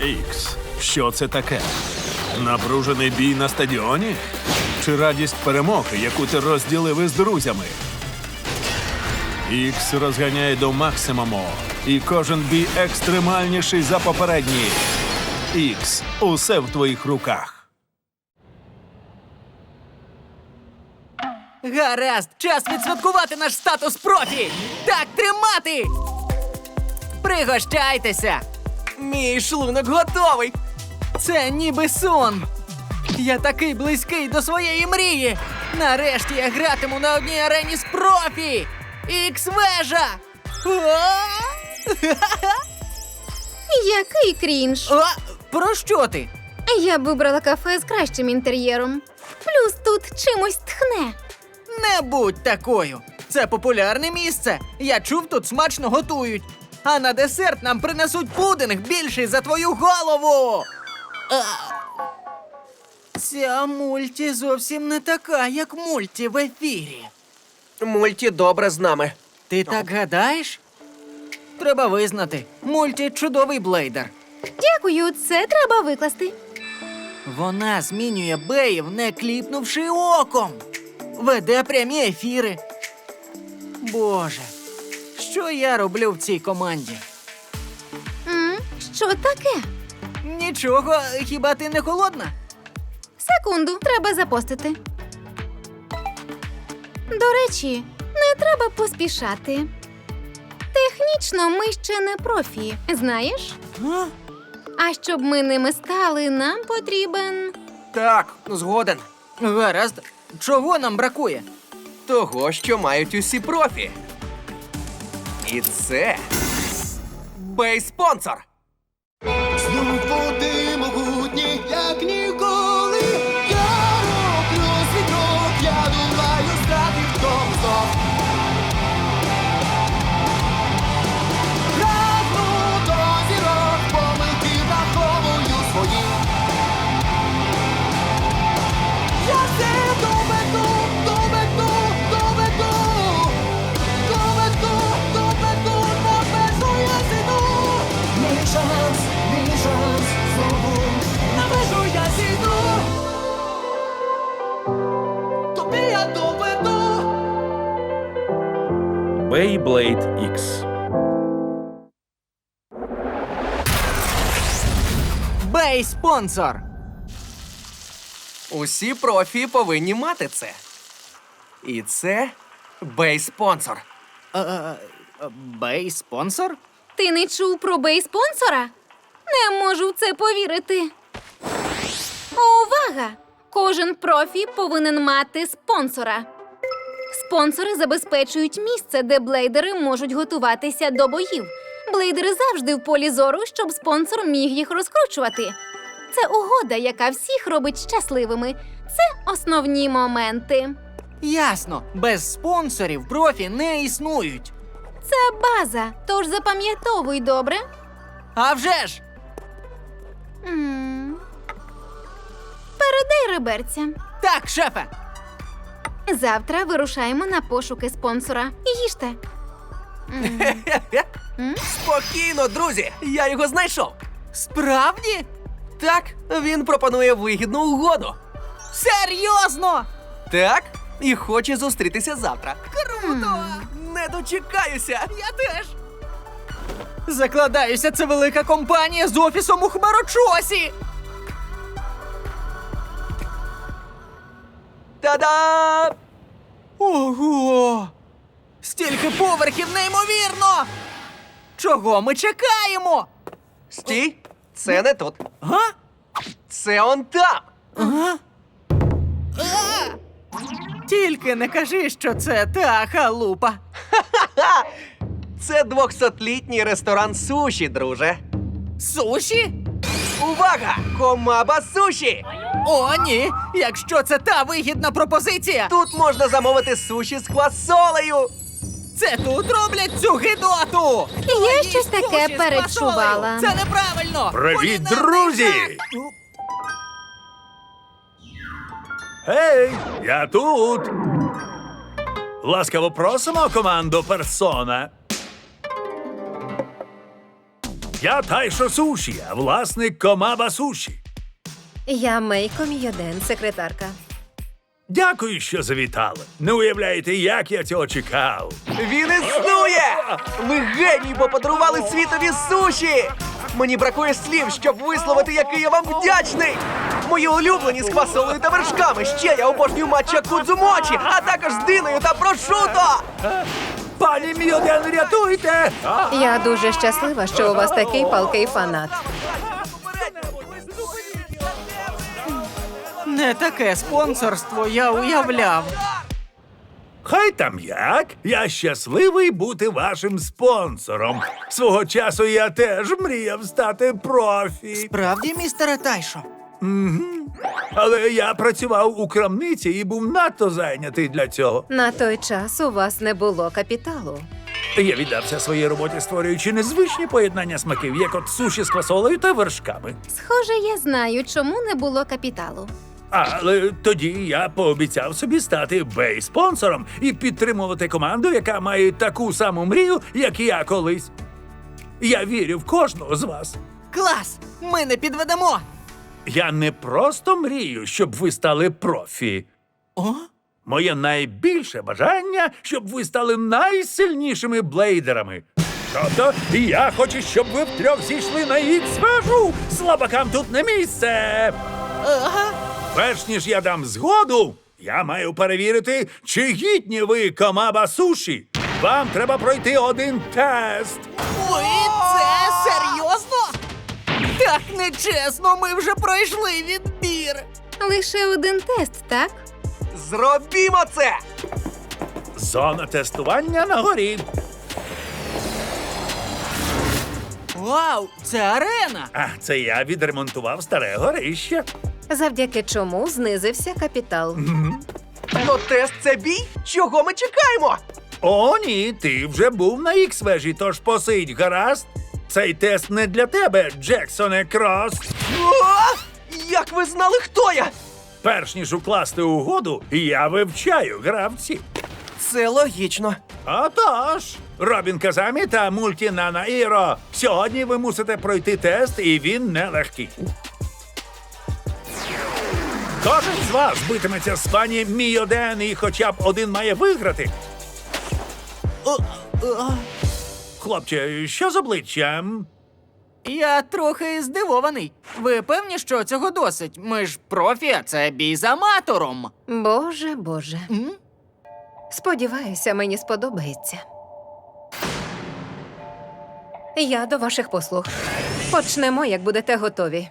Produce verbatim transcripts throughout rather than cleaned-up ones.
Ікс, що це таке? Напружений бій на стадіоні? Чи радість перемоги, яку ти розділив із друзями? Ікс розганяє до максимуму, і кожен бій екстремальніший за попередній. Ікс, усе в твоїх руках. Гаразд, час відсвяткувати наш статус профі! Так тримати! Пригощайтеся! Мій шлунок готовий! Це ніби сон! Я такий близький до своєї мрії! Нарешті я гратиму на одній арені з профі! Ікс-вежа! Який крінж. А, про що ти? Я б вибрала кафе з кращим інтер'єром. Плюс тут чимось тхне. Не будь такою! Це популярне місце! Я чув, тут смачно готують! А на десерт нам принесуть пудинг більший за твою голову! А! Ця мульті зовсім не така, як мульті в ефірі. Мульті добре з нами. Ти так гадаєш? Треба визнати, мульті чудовий блейдер. Дякую, це треба викласти. Вона змінює беїв, не кліпнувши оком. Веде прямі ефіри. Боже, що я роблю в цій команді? М? Що таке? Нічого, хіба ти не холодна? Секунду, треба запостити. До речі, не треба поспішати. Технічно ми ще не профі, знаєш? А? А щоб ми ними стали, нам потрібен... Так, згоден. Гаразд, чого нам бракує? Того, що мають усі профі. І це бей-спонсор. Знов води могутні, як ніколи. Я роблю свій крок, я думаю, стати в тому знов. Прагну до зірок, помилки враховую свої. Я все доведу, доведу, доведу. Доведу, доведу, на межу я зійду. Мій шанс, мій шанс, знову на межу я зійду. Тобі я доведу. Beyblade Ікс. Бей-спонсор! Усі профі повинні мати це. І це бей-спонсор. Е, Бей-спонсор? Ти не чув про бей-спонсора? Не можу в це повірити. Увага! Кожен профі повинен мати спонсора. Спонсори забезпечують місце, де блейдери можуть готуватися до боїв. Блейдери завжди в полі зору, щоб спонсор міг їх розкручувати. Це угода, яка всіх робить щасливими. Це основні моменти. Ясно, без спонсорів профі не існують. Це база, тож запам'ятовуй добре. А вже ж! М. Передай реберця. Так, шефе! Завтра вирушаємо на пошуки спонсора. Їжте. М. М? Спокійно, друзі, я його знайшов. Справді? Так, він пропонує вигідну угоду. Серйозно? Так, і хоче зустрітися завтра. Круто! Не дочекаюся. Я теж! Закладаюся, це велика компанія з офісом у Хмарочосі! Та-да! Ого! Стільки поверхів, неймовірно! Чого ми чекаємо? Стій, це не тут. Га? Це он там. Ага. А! Тільки не кажи, що це та халупа. Ха! Це двохсотлітній ресторан суші, друже. Суші? Увага! Комаба суші! О, ні! Якщо це та вигідна пропозиція, Тут можна замовити суші з квасолею. це тут роблять цю гидоту! Я Їсть щось таке суші з перечувала. фасолею! Це неправильно! Привіт, Кулінарний друзі! жах! Гей, я тут. Ласкаво просимо команду Персона. Я Тайшо Суші, а власник Комаба Суші. Я Мейко Мійоден, секретарка. Дякую, що завітали. Не уявляєте, як я цього чекав. Він існує! Ви генії, бо подарували світові суші! Мені бракує слів, щоб висловити, який я вам вдячний! Мої улюблені з квасолею та вершками. Ще я обожнюю матча кудзумочі, а також з диною та прошуто! Пані Мійоден, рятуйте! Я дуже щаслива, що у вас такий палкий фанат. Не таке спонсорство я уявляв. Хай там як, я щасливий бути вашим спонсором. Свого часу я теж мріяв стати профі. Правді, містере Тайшо? Але я працював у крамниці і був надто зайнятий для цього. На той час у вас не було капіталу. Я віддався своїй роботі, створюючи незвичні поєднання смаків, як от суші з квасолею та вершками. Схоже, я знаю, чому не було капіталу. Але тоді я пообіцяв собі стати бей-спонсором і підтримувати команду, яка має таку саму мрію, як і я колись. Я вірю в кожного з вас. Клас! Ми не підведемо! Я не просто мрію, щоб ви стали профі. О? Моє найбільше бажання, щоб ви стали найсильнішими блейдерами. Тобто, я хочу, щоб ви втрьох зійшли на ікс-вежу. Слабакам тут не місце. Ага. Перш ніж я дам згоду, я маю перевірити, чи гідні ви Комаба Суші. Вам треба пройти один тест. Ой, це серйозно? Так нечесно, ми вже пройшли відбір. Лише один тест, так? Зробімо це! Зона тестування на горі. Вау, це арена! А це я відремонтував старе горище. Завдяки чому знизився капітал. То тест це бій? Чого ми чекаємо? О, ні, ти вже був на ікс-вежі, тож посидь, гаразд. Цей тест не для тебе, Джексоне Крос. О! Як ви знали, хто я? Перш ніж укласти угоду, я вивчаю гравців. Це логічно. Отож, Робін Казамі та Мультінана Іро. Сьогодні ви мусите пройти тест, і він нелегкий. Кожен з вас битиметься з пані Мійоден, і хоча б один має виграти. Хлопче, що з обличчям? Я трохи здивований. Ви певні, що цього досить? Ми ж профі, а це бій з аматором. Боже, боже. М? Сподіваюся, мені сподобається. Я до ваших послуг. Почнемо, як будете готові.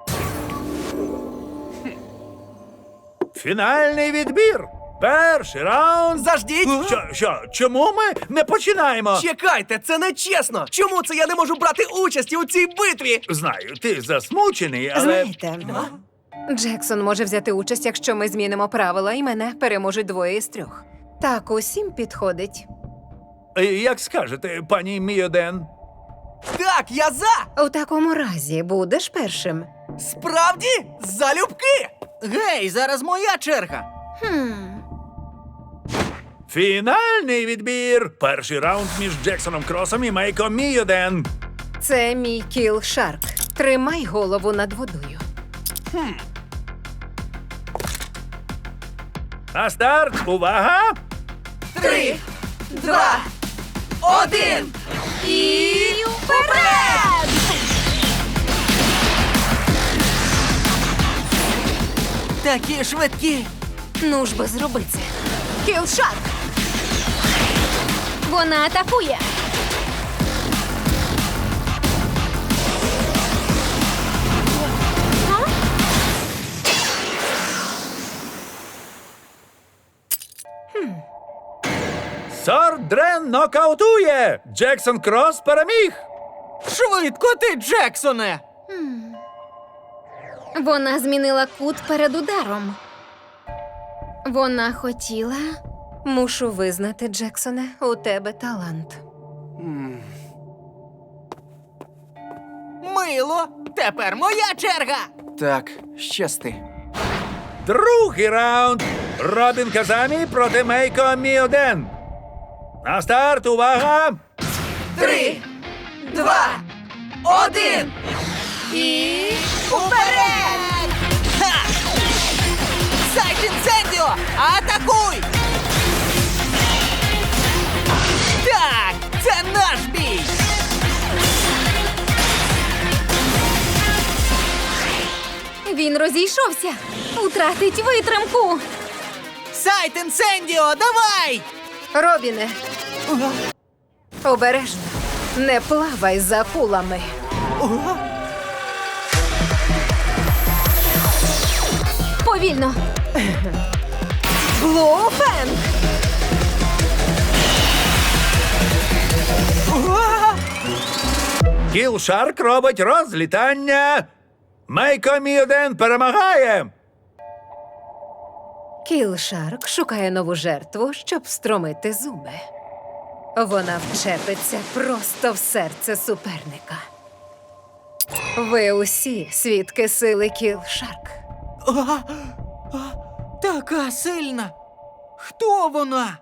Фінальний відбір. Перший раунд. Заждіть! Що, що, чому ми не починаємо? Чекайте, це не чесно! Чому це я не можу брати участі у цій битві? Знаю, ти засмучений, але... Знаєте, Джексон може взяти участь, якщо ми змінимо правила, і мене переможуть двоє із трьох. Так усім підходить. Е, Як скажете, пані Мійоден? Так, я за! У такому разі будеш першим. Справді? Залюбки! Гей, зараз моя черга. Хм. Фінальний відбір. Перший раунд між Джексоном Кросом і Мейко Мійоден. Це мій кіл Шарк. Тримай голову над водою. На старт, увага! Три, два, один. І вперед! Такі швидкі. Ну ж би зроби це. Кіл Шарк! Вона атакує. Сордрен нокаутує! Джексон Крос переміг! Швидко ти, Джексоне! Вона змінила кут перед ударом. Вона хотіла. Мушу визнати, Джексоне, у тебе талант. Мило, тепер моя черга. Так, щасти. Другий раунд. Робін Казамі проти Мейко Мійоден. На старт, увага! Три, два, один! І уперед! Ха! Сайт інцендіо! Атакуй! Так, це наш бій! Він розійшовся. Утратить витримку. Сайт інцендіо, давай! Робіне, обережно. Не плавай за кулами. Повільно. Блуфен! Кілшарк робить розлітання. Мейко Мій один перемагає. Кілшарк шукає нову жертву, щоб встромити зуби. Вона вчепиться просто в серце суперника. Ви усі свідки сили Кілшарк. А, а, така сильна! Хто вона?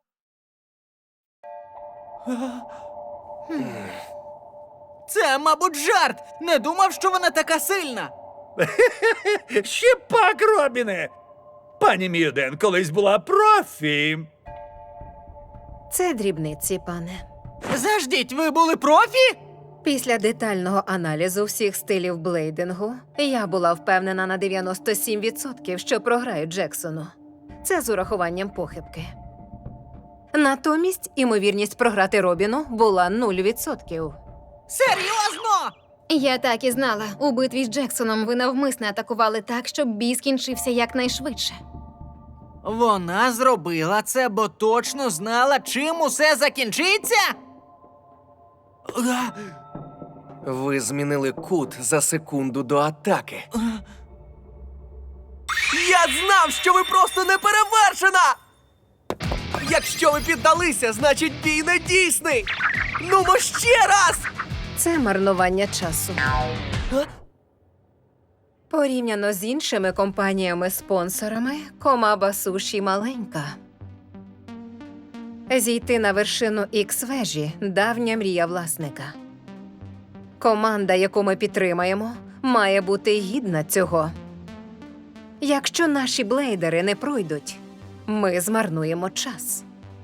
А, хм. Це, мабуть, жарт! Не думав, що вона така сильна! Ще пак, Робіне. Пані Мій один колись була профі. Це дрібниці, пане. Заждіть, ви були профі? Після детального аналізу всіх стилів блейдингу я була впевнена на дев'яносто сім відсотків, що програю Джексону. Це з урахуванням похибки. Натомість імовірність програти Робіну була нуль відсотків. Серйозно? Я так і знала. У битві з Джексоном ви навмисно атакували так, щоб бій скінчився якнайшвидше. Вона зробила це, бо точно знала, чим усе закінчиться? А, Ви змінили кут за секунду до атаки. Я знав, що ви просто неперевершена! Якщо ви піддалися, значить бій не дійсний! Нумо ще раз! Це марнування часу. Порівняно з іншими компаніями-спонсорами, Комаба Суші маленька. Зійти на вершину Ікс-вежі – давня мрія власника. Команда, яку ми підтримаємо, має бути гідна цього. Якщо наші блейдери не пройдуть, ми змарнуємо час.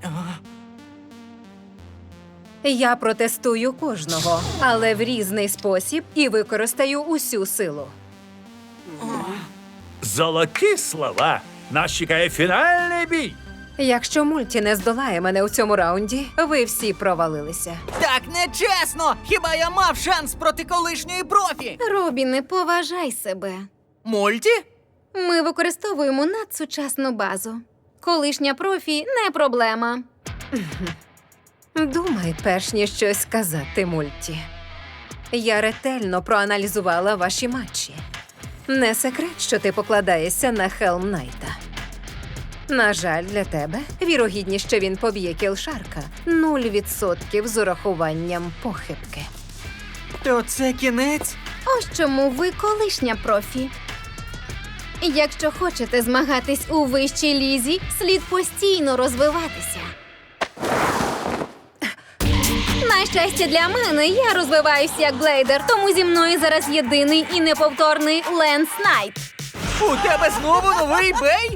Я протестую кожного, але в різний спосіб і використаю усю силу. Золоті слова. Нас чекає фінальний бій. Якщо мульті не здолає мене у цьому раунді, ви всі провалилися. так нечесно! Хіба я мав шанс проти колишньої профі? Робіне, поважай себе. Мульті? Ми використовуємо надсучасну базу. Колишня профі не проблема. Думай, перш ніж щось сказати, мульті. Я ретельно проаналізувала ваші матчі. Не секрет, що ти покладаєшся на Хелм Найта. На жаль, для тебе вірогідність, що він поб'є Кілшарка – нуль відсотків з урахуванням похибки. То це кінець? Ось чому ви колишня профі. Якщо хочете змагатись у вищій лізі, слід постійно розвиватися. На щастя для мене, я розвиваюся як блейдер, тому зі мною зараз єдиний і неповторний Ленс Найт. У тебе знову новий бей?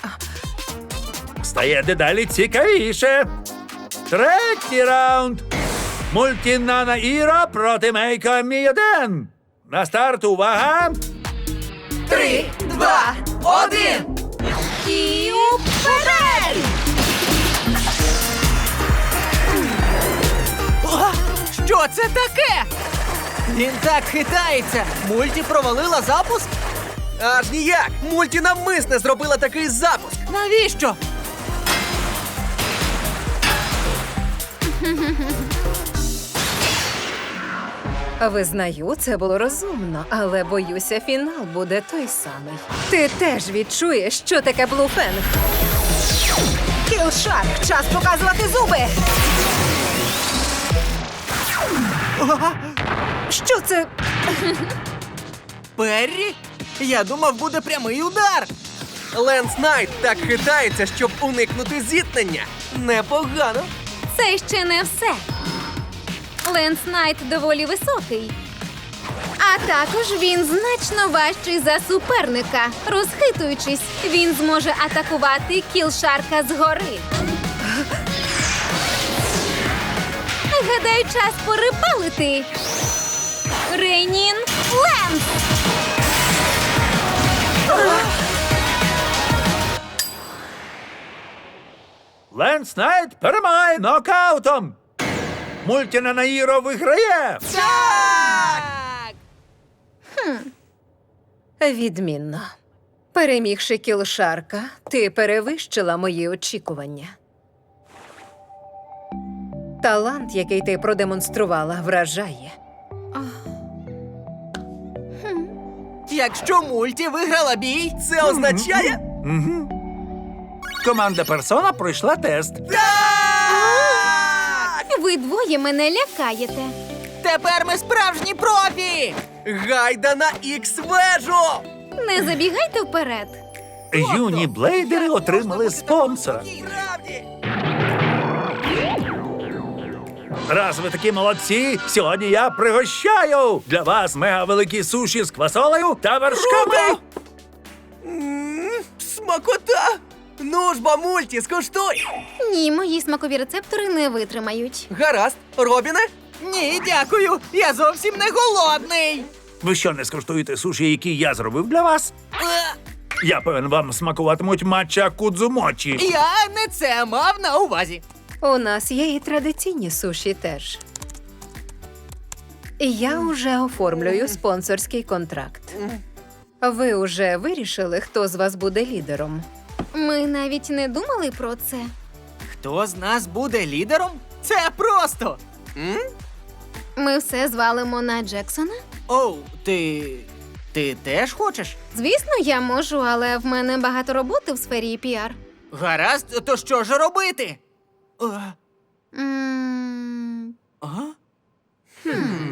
Стає дедалі цікавіше. Третій раунд. Мультінана Іро проти Мейко Мій один. На старт, увага! Три, два, один! І уперед! А, що це таке? Він так хитається. Мульті провалила запуск? Аж ніяк! Мульті навмисне зробила такий запуск! Навіщо? Визнаю, це було розумно, але боюся, фінал буде той самий. Ти теж відчуєш, що таке блуфенг. Кілшарк, час показувати зуби! Що це? Перрі? Я думав, буде прямий удар. Ленс Найт так хитається, щоб уникнути зіткнення. Непогано. Це ще не все. Ленс Найт доволі високий, А також він значно важчий за суперника. Розхитуючись, він зможе атакувати кілшарка згори. Гадаю, час порибалити. Рейнін Ленс! Ленс Найт перемагає нокаутом. Мультіна Наїро виграє. Відмінно. Перемігши кілшарка, ти перевищила мої очікування. Талант, який ти продемонструвала, вражає. Якщо мульті виграла бій, Це означає. Команда Персона пройшла тест. Ви двоє мене лякаєте. тепер ми справжні профі! Гайда на ікс-вежу! Не забігайте вперед. Юні блейдери отримали спонсора. Справді! Раз ви такі молодці, сьогодні я пригощаю для вас мега-великі суші з квасолею та вершками. М, Смакота! Ну ж бо, мульті, скуштуй! Ні, мої смакові рецептори не витримають. Гаразд, Робіне? Ні, дякую, я зовсім не голодний. Ви що, не скуштуєте суші, які я зробив для вас? Е, Я певен, вам смакуватимуть матча кудзумочі. Я не це мав на увазі. У нас є і традиційні суші теж. Я уже оформлюю спонсорський контракт. Ви уже вирішили, хто з вас буде лідером? Ми навіть не думали про це. Хто з нас буде лідером? Це просто. Ми все звалимо на Джексона. Оу, ти. Ти теж хочеш? Звісно, я можу, але в мене багато роботи в сфері піар. Гаразд, то що ж робити? Е, М, Ага. Хм.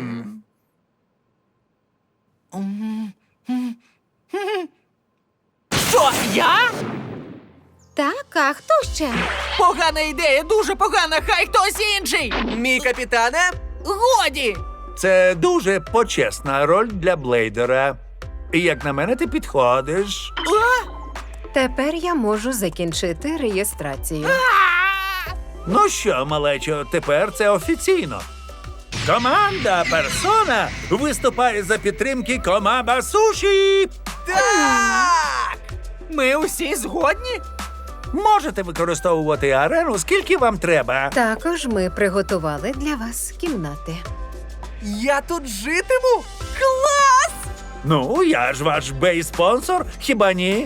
М, м, м. Що, я? Так, а хто ще? Погана ідея, дуже погана, хай хтось інший! Мій капітане? Годі! Це дуже почесна роль для блейдера. І як на мене, ти підходиш. А? Тепер я можу закінчити реєстрацію. Ну що, малечо, тепер це офіційно. Команда Персона виступає за підтримки Комаба Суші. Так! Ми усі згодні? Можете використовувати арену, скільки вам треба. Також ми приготували для вас кімнати. Я тут житиму? Клас! Ну, я ж ваш бей-спонсор, хіба ні?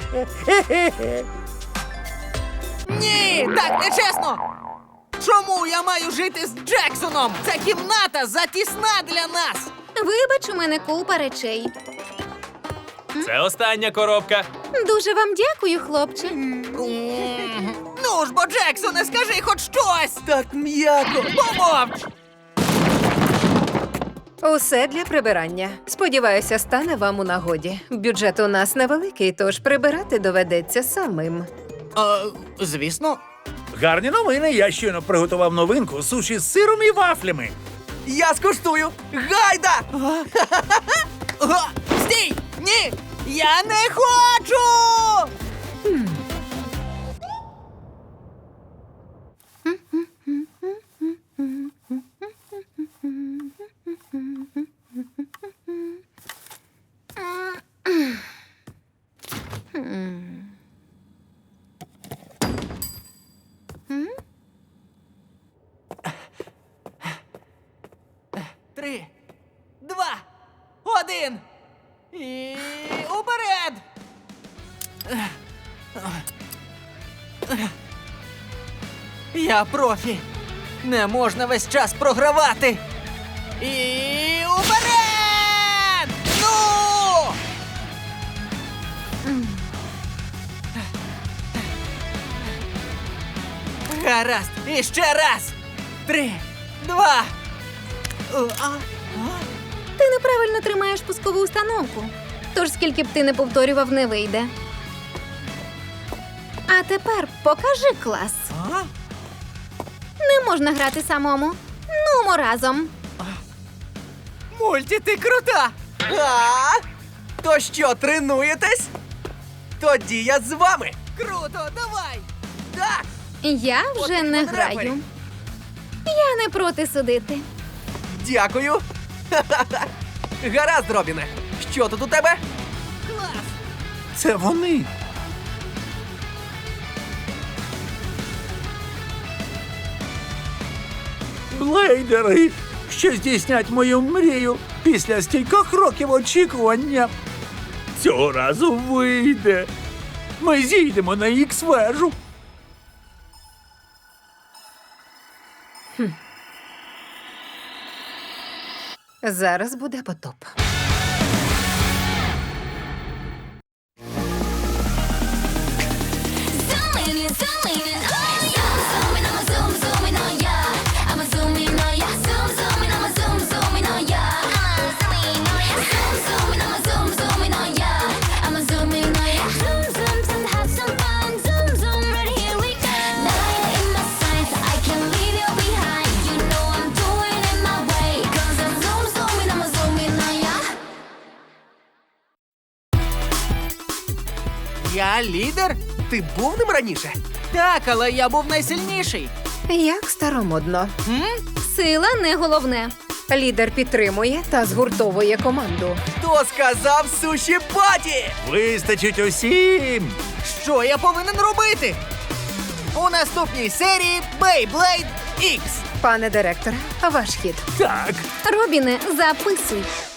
Ні, так не чесно! Чому я маю жити з Джексоном? Ця кімната затісна для нас! Вибач, у мене купа речей. Це остання коробка. Дуже вам дякую, хлопче. Ну ж бо, Джексоне, скажи хоч щось! Так м'яко! Помовч! Усе для прибирання. Сподіваюся, стане вам у нагоді. Бюджет у нас невеликий, тож прибирати доведеться самим. А, звісно. Гарні новини, я щойно приготував новинку суші з сиром і вафлями. Я скуштую! Гайда! Га! Стій! Ні! Я не хочу! Три, два, один. І уперед! Я профі. Не можна весь час програвати. І уперед! Ну! Гаразд, і ще раз. Три, два. О, а, а. Ти неправильно тримаєш пускову установку. Тож скільки б ти не повторював, не вийде. А тепер покажи клас. А? Не можна грати самому. Нумо разом. Мульті, ти крута! А? То що, тренуєтесь? Тоді я з вами. Круто, давай! Так! Я От вже і не потрапи. граю. Я не проти судити. Дякую. Ха-ха-ха. Гаразд, Робіне. Що тут у тебе? Клас! Це вони. Блейдери, що здійснять мою мрію після стількох років очікування. Цього разу вийде. Ми зійдемо на ікс-вежу. Зараз буде потоп. Я лідер? Ти був ним раніше? Так, але я був найсильніший. Як старомодно. М? Сила не головне. Лідер підтримує та згуртовує команду. Хто сказав суші паті? Вистачить усім. Що я повинен робити? У наступній серії Beyblade ікс. Пане директоре, ваш хід. Так. Робіне, записуй.